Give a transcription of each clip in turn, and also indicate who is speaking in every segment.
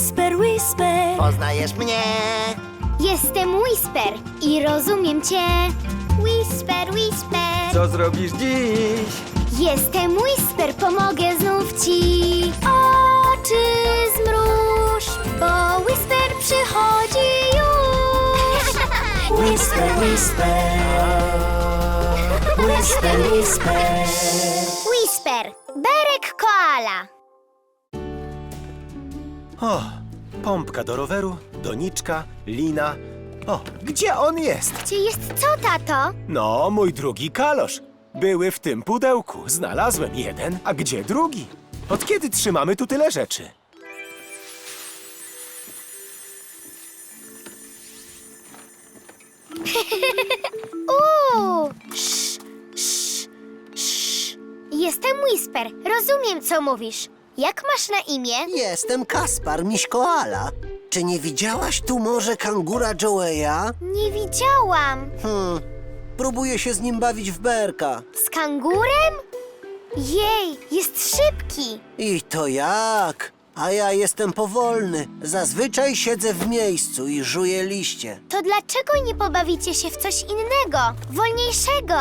Speaker 1: Whisper, whisper.
Speaker 2: Poznajesz mnie?
Speaker 3: Jestem Whisper i rozumiem cię. Whisper, whisper.
Speaker 4: Co zrobisz dziś?
Speaker 3: Jestem Whisper, pomogę znów ci. Oczy zmruż, bo Whisper przychodzi już.
Speaker 1: Whisper, whisper. Whisper, whisper.
Speaker 3: Whisper, Berek koala.
Speaker 5: O, pompka do roweru, doniczka, lina. O, gdzie on jest?
Speaker 3: Gdzie jest co, tato?
Speaker 5: No, mój drugi kalosz. Były w tym pudełku. Znalazłem jeden, a gdzie drugi? Od kiedy trzymamy tu tyle rzeczy?
Speaker 3: Sz, sz, sz. Jestem Whisper, rozumiem co mówisz. Jak masz na imię?
Speaker 2: Jestem Kaspar, miś koala. Czy nie widziałaś tu może kangura Joeya?
Speaker 3: Nie widziałam.
Speaker 2: Próbuję się z nim bawić w berka.
Speaker 3: Z kangurem? Jej, jest szybki.
Speaker 2: I to jak? A ja jestem powolny. Zazwyczaj siedzę w miejscu i żuję liście.
Speaker 3: To dlaczego nie pobawicie się w coś innego, wolniejszego?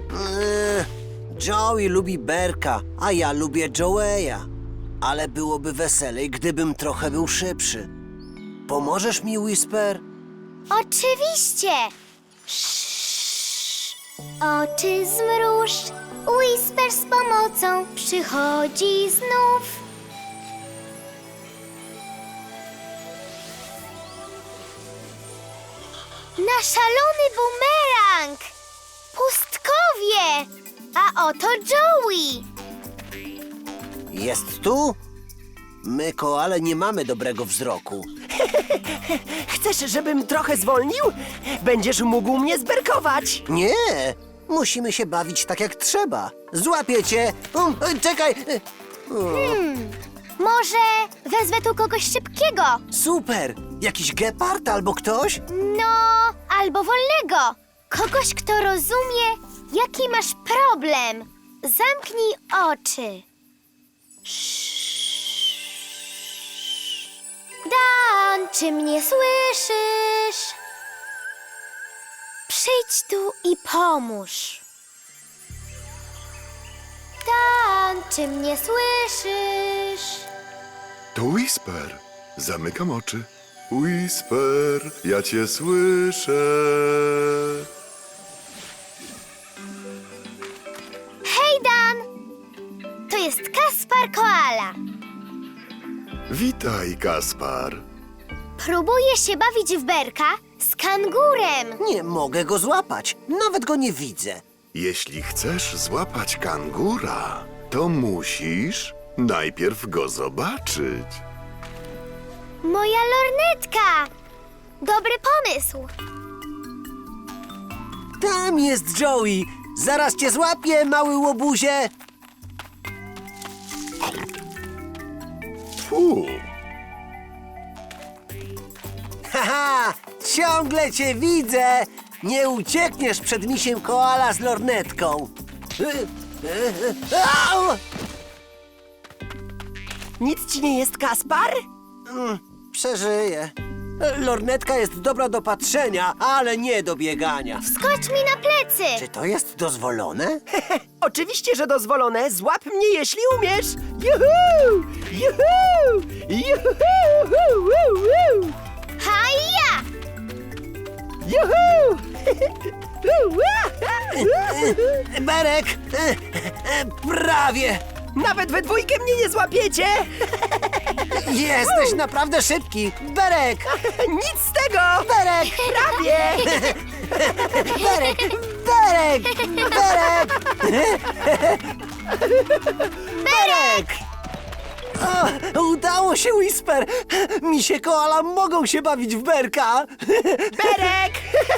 Speaker 2: Joey lubi berka, a ja lubię Joeya. Ale byłoby weselej, gdybym trochę był szybszy. Pomożesz mi, Whisper?
Speaker 3: Oczywiście. Oczy zmruż, Whisper z pomocą przychodzi znów. Na szalony bumerang! Pustkowie! A oto Joey!
Speaker 2: Jest tu? My, koale, nie mamy dobrego wzroku.
Speaker 4: Chcesz, żebym trochę zwolnił? Będziesz mógł mnie zberkować.
Speaker 2: Nie! Musimy się bawić tak jak trzeba. Złapię cię! Czekaj!
Speaker 3: Może wezwę tu kogoś szybkiego?
Speaker 2: Super! Jakiś gepard albo ktoś?
Speaker 3: No, albo wolnego. Kogoś, kto rozumie, jaki masz problem. Zamknij oczy. Dan, czy mnie słyszysz? Przyjdź tu i pomóż. Dan, czy mnie słyszysz?
Speaker 6: To Whisper. Zamykam oczy. Whisper, ja cię słyszę.
Speaker 3: Hej, Dan! To jest Kaspar Koala.
Speaker 6: Witaj, Kaspar.
Speaker 3: Próbuję się bawić w berka z kangurem.
Speaker 2: Nie mogę go złapać. Nawet go nie widzę.
Speaker 6: Jeśli chcesz złapać kangura, to musisz najpierw go zobaczyć.
Speaker 3: Moja lornetka! Dobry pomysł.
Speaker 2: Tam jest Joey. Zaraz cię złapię, mały łobuzie.
Speaker 6: Fu,
Speaker 2: Haha, ciągle cię widzę. Nie uciekniesz przed misiem koala z lornetką. Au!
Speaker 4: Nic ci nie jest, Kaspar?
Speaker 2: Przeżyję. Lornetka jest dobra do patrzenia, ale nie do biegania.
Speaker 3: Skocz mi na plecy.
Speaker 2: Czy to jest dozwolone?
Speaker 4: Oczywiście, że dozwolone. Złap mnie, jeśli umiesz. Juhu! Juhu! Juhu!
Speaker 3: Haja!
Speaker 4: Juhu!
Speaker 2: Berek! Prawie!
Speaker 4: Nawet we dwójkę mnie nie złapiecie!
Speaker 2: Jesteś naprawdę szybki! Berek!
Speaker 4: Nic z tego!
Speaker 2: Berek!
Speaker 4: Prawie!
Speaker 2: Berek! Berek! Berek! Berek! O, udało się, Whisper! Misie koala mogą się bawić w berka!
Speaker 4: Berek!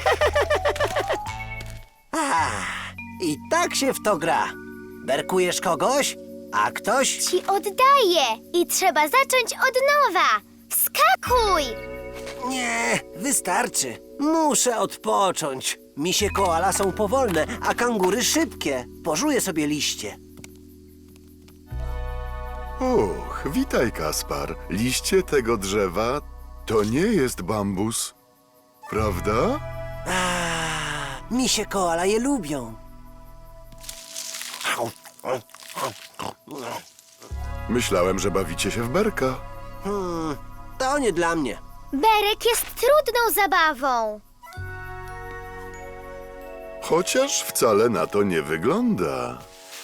Speaker 2: I tak się w to gra. Berkujesz kogoś, a ktoś...
Speaker 3: Ci oddaję i trzeba zacząć od nowa. Wskakuj!
Speaker 2: Nie, wystarczy. Muszę odpocząć. Misie koala są powolne, a kangury szybkie. Pożuję sobie liście.
Speaker 6: Och, witaj, Kaspar. Liście tego drzewa to nie jest bambus, prawda?
Speaker 2: Misie koala je lubią.
Speaker 6: Myślałem, że bawicie się w berka.
Speaker 2: To nie dla mnie.
Speaker 3: Berek jest trudną zabawą.
Speaker 6: Chociaż wcale na to nie wygląda.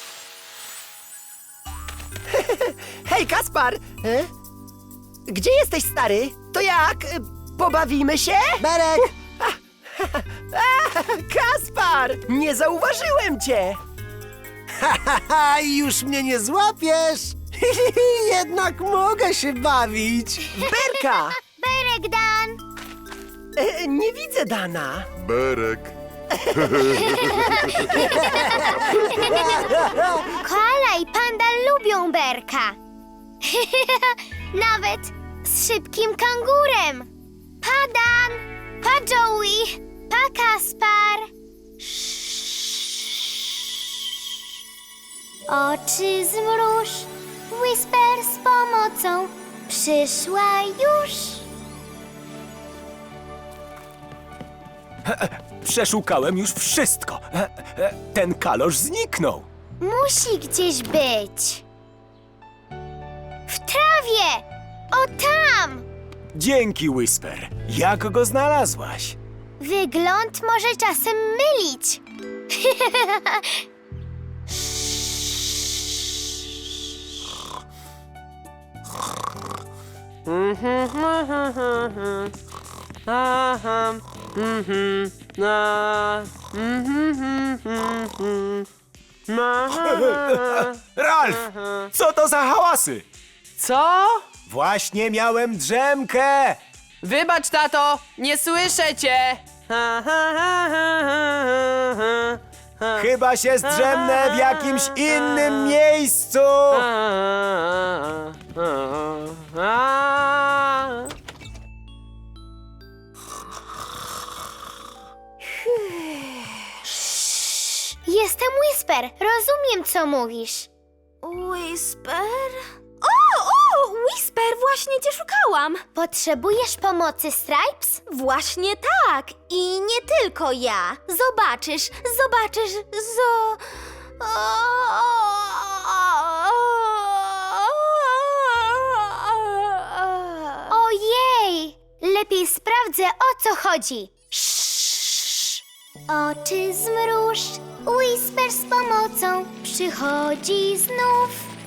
Speaker 4: Hej, Kaspar! Gdzie jesteś, stary? To jak? Pobawimy się?
Speaker 2: Berek!
Speaker 4: Kaspar! Nie zauważyłem cię!
Speaker 2: Haha, już mnie nie złapiesz! Jednak mogę się bawić.
Speaker 4: Berka!
Speaker 3: Berek, Dan!
Speaker 4: Nie widzę Dana.
Speaker 6: Berek.
Speaker 3: Koala i panda lubią Berka. Nawet z szybkim kangurem. Pa, Dan! Pa, Joey! Pa, Kaspar! Oczy zmruż, Whisper z pomocą przyszła już.
Speaker 5: Przeszukałem już wszystko. Ten kalosz zniknął.
Speaker 3: Musi gdzieś być. W trawie! O tam!
Speaker 5: Dzięki, Whisper. Jak go znalazłaś?
Speaker 3: Wygląd może czasem mylić.
Speaker 5: Ralf! Co to za hałasy?
Speaker 7: Co?
Speaker 5: Właśnie miałem drzemkę.
Speaker 7: Wybacz, tato, nie słyszę cię.
Speaker 5: Chyba się zdrzemnę w jakimś innym miejscu.
Speaker 3: Jestem Whisper. Rozumiem, co mówisz.
Speaker 1: Whisper? O, Whisper, właśnie cię szukałam.
Speaker 3: Potrzebujesz pomocy, Stripes?
Speaker 1: Właśnie tak. I nie tylko ja. Zobaczysz.
Speaker 3: Ojej! Lepiej sprawdzę, o co chodzi. Oczy zmruż, Whisper z pomocą przychodzi znów.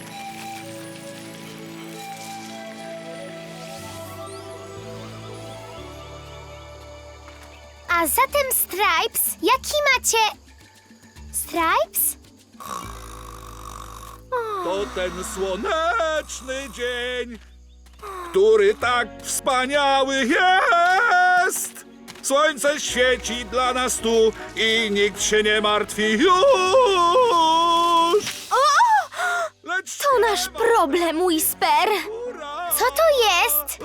Speaker 3: A zatem Stripes, jaki macie... Stripes?
Speaker 8: To ten słoneczny dzień, który tak wspaniały jest. Słońce świeci dla nas tu i nikt się nie martwi już. Lecz
Speaker 1: To nasz problem, Whisper.
Speaker 3: Co to jest?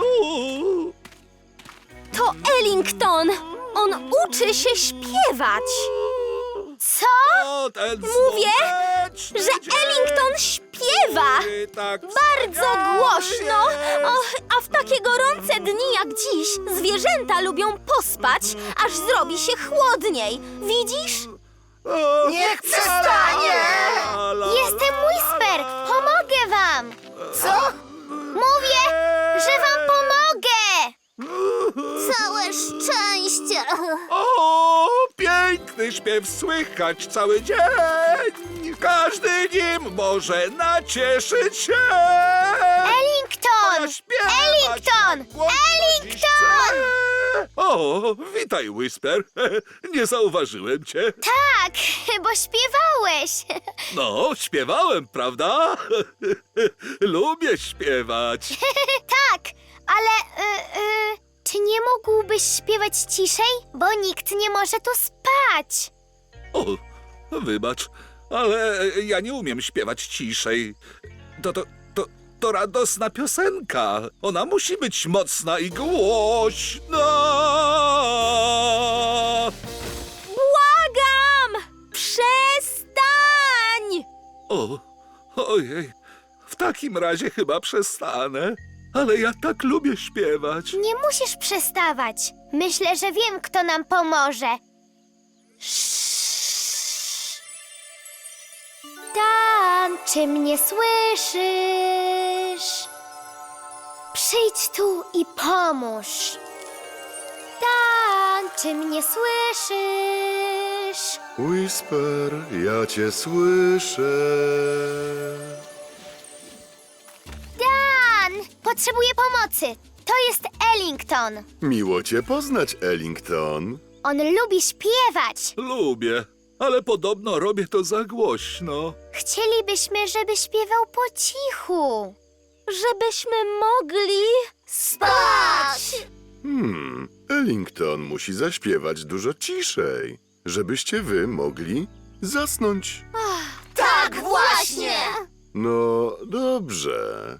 Speaker 1: To Ellington. On uczy się śpiewać.
Speaker 3: Co?
Speaker 8: To ten
Speaker 1: Mówię,
Speaker 8: słoneczny
Speaker 1: że
Speaker 8: dzień,
Speaker 1: Ellington śpiewa.
Speaker 8: który tak
Speaker 1: Bardzo
Speaker 8: wspaniały
Speaker 1: głośno.
Speaker 8: jest.
Speaker 1: A w takie gorące dni jak dziś zwierzęta lubią pospać, aż zrobi się chłodniej. Widzisz?
Speaker 4: Niech przestanie!
Speaker 3: Jestem Whisper! Pomogę wam! Co? Mówię, że wam pomogę!
Speaker 1: Całe szczęście.
Speaker 8: O, piękny śpiew słychać cały dzień. Każdy nim może nacieszyć się.
Speaker 3: Ellington!
Speaker 8: Śpiewać
Speaker 3: Ellington!
Speaker 8: tak głośno dziś
Speaker 3: Ellington!
Speaker 8: chcę. O, witaj, Whisper. Nie zauważyłem cię.
Speaker 3: Tak, bo śpiewałeś.
Speaker 8: No, śpiewałem, prawda? Lubię śpiewać.
Speaker 3: Tak, ale czy nie mógłbyś śpiewać ciszej? Bo nikt nie może tu spać.
Speaker 8: O, wybacz, ale ja nie umiem śpiewać ciszej. To radosna piosenka. Ona musi być mocna i głośna.
Speaker 1: Błagam! Przestań!
Speaker 8: Ojej, w takim razie chyba przestanę. Ale ja tak lubię śpiewać.
Speaker 3: Nie musisz przestawać. Myślę, że wiem, kto nam pomoże. Dan, czy mnie słyszysz? Przyjdź tu i pomóż. Dan, czy mnie słyszysz?
Speaker 6: Whisper, ja cię słyszę.
Speaker 3: Dan, potrzebuję pomocy. To jest Ellington.
Speaker 6: Miło cię poznać, Ellington.
Speaker 3: On lubi śpiewać.
Speaker 8: Lubię, ale podobno robię to za głośno.
Speaker 3: Chcielibyśmy, żeby śpiewał po cichu.
Speaker 1: Żebyśmy mogli spać.
Speaker 6: Ellington musi zaśpiewać dużo ciszej, żebyście wy mogli zasnąć.
Speaker 1: Tak, właśnie.
Speaker 6: No, dobrze.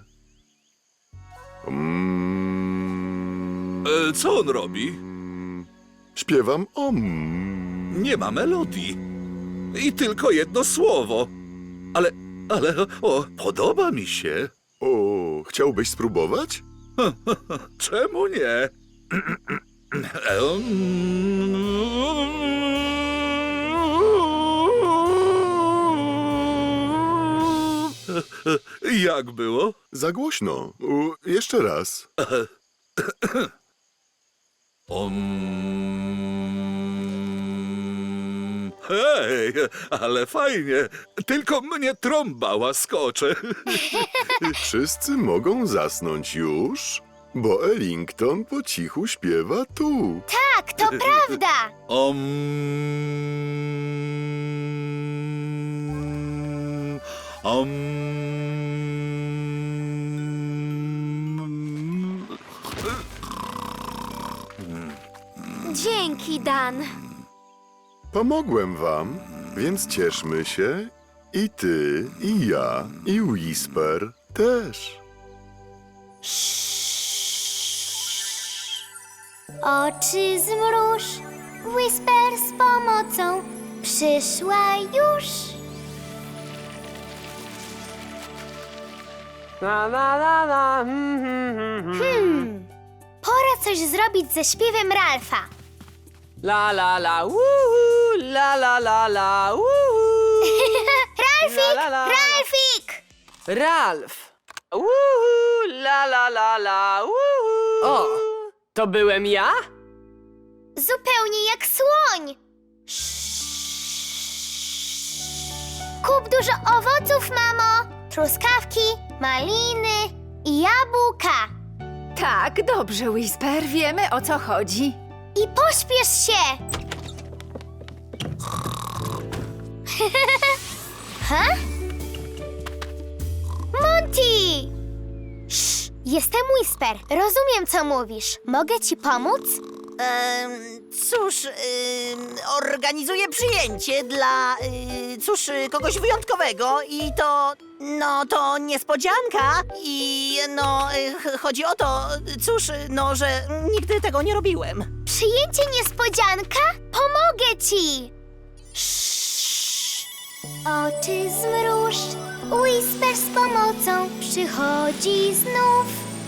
Speaker 8: Co on robi?
Speaker 6: Śpiewam
Speaker 8: Nie ma melodii. I tylko jedno słowo. Ale, podoba mi się.
Speaker 6: O, chciałbyś spróbować?
Speaker 8: Czemu nie? Jak było?
Speaker 6: Za głośno. Jeszcze raz.
Speaker 8: Hej, ale fajnie. Tylko mnie trąba łaskocze.
Speaker 6: Wszyscy mogą zasnąć już, bo Ellington po cichu śpiewa tu.
Speaker 3: Tak, to prawda.
Speaker 1: Dzięki, Dan.
Speaker 6: Pomogłem wam, więc cieszmy się. I ty, i ja, i Whisper też.
Speaker 3: Oczy zmruż, Whisper z pomocą przyszła już.
Speaker 7: La la la la.
Speaker 3: Pora coś zrobić ze śpiewem Ralfa.
Speaker 7: La la la. Uhu, la la la la. Uhu.
Speaker 3: Ralfik!
Speaker 7: La, la, la, la.
Speaker 3: Ralfik!
Speaker 7: Ralf. Uhu, la la la la. Uhu. O, to byłem ja?
Speaker 3: Zupełnie jak słoń. Kup dużo owoców, mamo. Truskawki, maliny i jabłka.
Speaker 9: Tak, dobrze, Whisper, wiemy o co chodzi.
Speaker 3: I pośpiesz się! Ha? Monty! Jestem Whisper. Rozumiem, co mówisz. Mogę ci pomóc?
Speaker 10: Cóż, organizuję przyjęcie dla, kogoś wyjątkowego i to, to niespodzianka i, chodzi o to, że nigdy tego nie robiłem.
Speaker 3: Przyjęcie niespodzianka? Pomogę ci! Oczy zmruż, Whisper z pomocą przychodzi znów.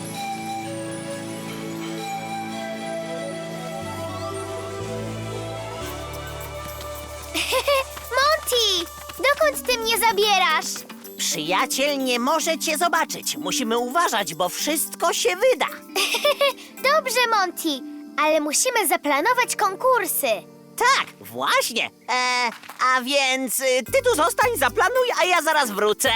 Speaker 3: Monty! Dokąd ty mnie zabierasz?
Speaker 10: Przyjaciel nie może cię zobaczyć. Musimy uważać, bo wszystko się wyda.
Speaker 3: Dobrze, Monty, ale musimy zaplanować konkursy.
Speaker 10: Tak, właśnie. A więc ty tu zostań, zaplanuj, a ja zaraz wrócę.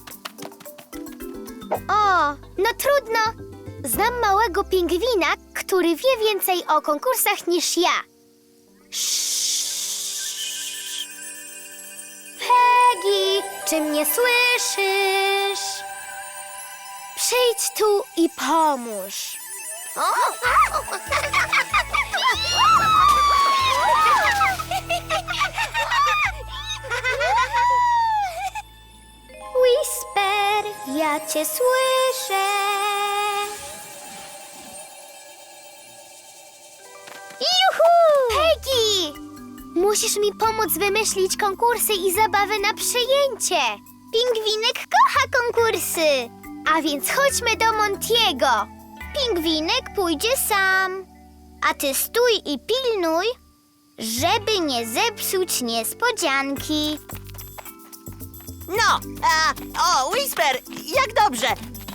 Speaker 3: O, no trudno. Znam małego pingwina, który wie więcej o konkursach niż ja. Peggy, czy mnie słyszysz? Przyjdź tu i pomóż. Whisper, ja cię słyszę. Juhu! Peggy! Musisz mi pomóc wymyślić konkursy i zabawy na przyjęcie. Pingwinek kocha konkursy. A więc chodźmy do Montiego. Pingwinek pójdzie sam. A ty stój i pilnuj, żeby nie zepsuć niespodzianki.
Speaker 10: No, o, Whisper, jak dobrze.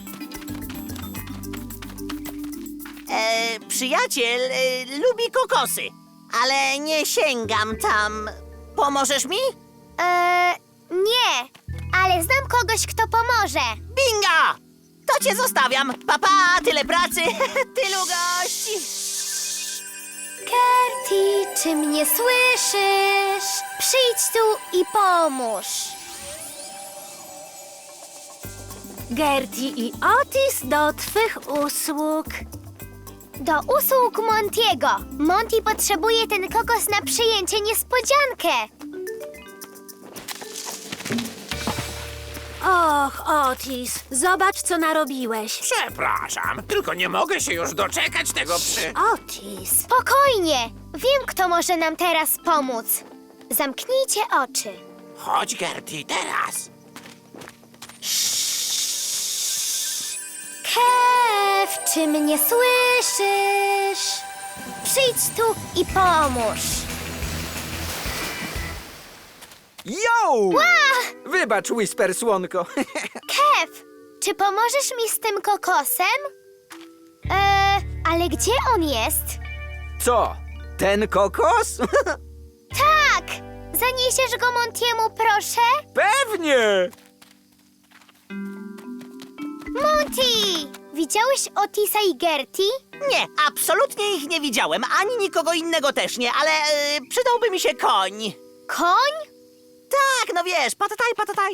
Speaker 10: Przyjaciel lubi kokosy, ale nie sięgam tam. Pomożesz mi?
Speaker 3: Nie, ale znam kogoś, kto pomoże.
Speaker 10: Bingo! To cię zostawiam. Papa, tyle pracy, tylu gości.
Speaker 3: Gertie, czy mnie słyszysz? Przyjdź tu i pomóż.
Speaker 1: Gertie i Otis do twych usług.
Speaker 3: Do usług Montiego. Monty potrzebuje ten kokos na przyjęcie niespodziankę.
Speaker 1: Och, Otis, zobacz, co narobiłeś.
Speaker 7: Przepraszam, tylko nie mogę się już doczekać tego
Speaker 1: Otis.
Speaker 3: Spokojnie. Wiem, kto może nam teraz pomóc. Zamknijcie oczy.
Speaker 7: Chodź, Gertie, teraz.
Speaker 3: Kev, czy mnie słyszysz? Przyjdź tu i pomóż.
Speaker 4: Yo! Wybacz, Whisper, słonko.
Speaker 3: Kev, czy pomożesz mi z tym kokosem? Ale gdzie on jest?
Speaker 4: Co? Ten kokos?
Speaker 3: Tak! Zaniesiesz go Montiemu, proszę?
Speaker 4: Pewnie!
Speaker 3: Monty! Widziałeś Otisa i Gertie?
Speaker 10: Nie, absolutnie ich nie widziałem, ani nikogo innego też nie, ale przydałby mi się koń.
Speaker 3: Koń?
Speaker 10: Tak, no wiesz, patataj.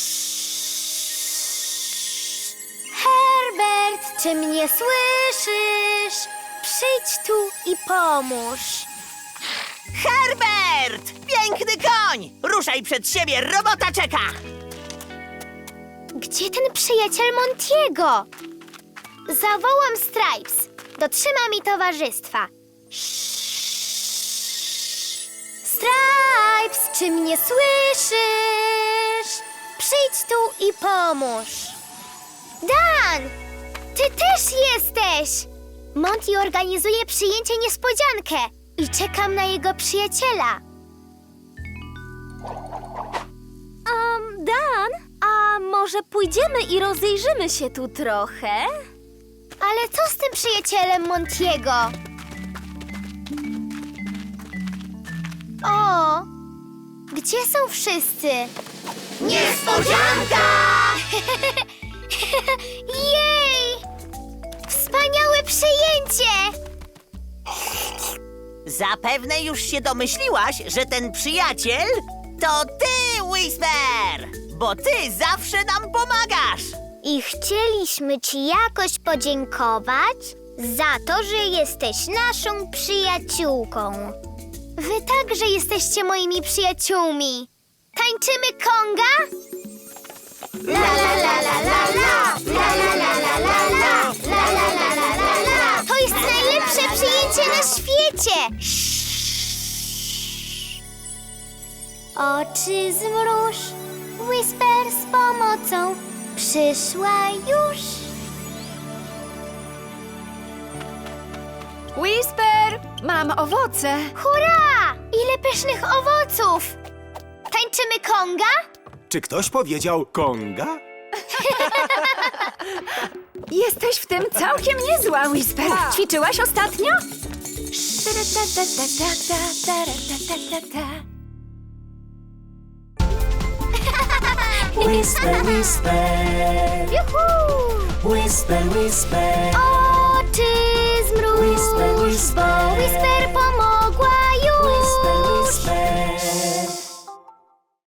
Speaker 3: Herbert, czy mnie słyszysz? Przyjdź tu i pomóż.
Speaker 10: Herbert! Piękny koń! Ruszaj przed siebie, robota czeka!
Speaker 3: Gdzie ten przyjaciel Montiego? Zawołam Stripes. Dotrzyma mi towarzystwa. Stripes, czy mnie słyszysz? Przyjdź tu i pomóż. Dan! Ty też jesteś! Monty organizuje przyjęcie niespodziankę i czekam na jego przyjaciela.
Speaker 1: Dan, a może pójdziemy i rozejrzymy się tu trochę?
Speaker 3: Ale co z tym przyjacielem Montiego? O! Gdzie są wszyscy? Niespodzianka! Jej! Wspaniałe przyjęcie!
Speaker 10: Zapewne już się domyśliłaś, że ten przyjaciel to ty, Whisper! Bo ty zawsze nam pomagasz!
Speaker 3: I chcieliśmy ci jakoś podziękować za to, że jesteś naszą przyjaciółką. Wy także jesteście moimi przyjaciółmi. Tańczymy konga? La la la la la la, la la la la la la, la la la la la la. To jest najlepsze przyjęcie na świecie. Oczy zmruż, Whisper z pomocą przyszła już.
Speaker 9: Whisper, mam owoce.
Speaker 3: Hurra! Ile pysznych owoców! Tańczymy konga?
Speaker 5: Czy ktoś powiedział konga?
Speaker 9: Jesteś w tym całkiem niezła, Whisper. Ćwiczyłaś ostatnio?
Speaker 11: Whisper, whisper,
Speaker 3: Juhu!
Speaker 11: whisper, whisper.
Speaker 3: Oczy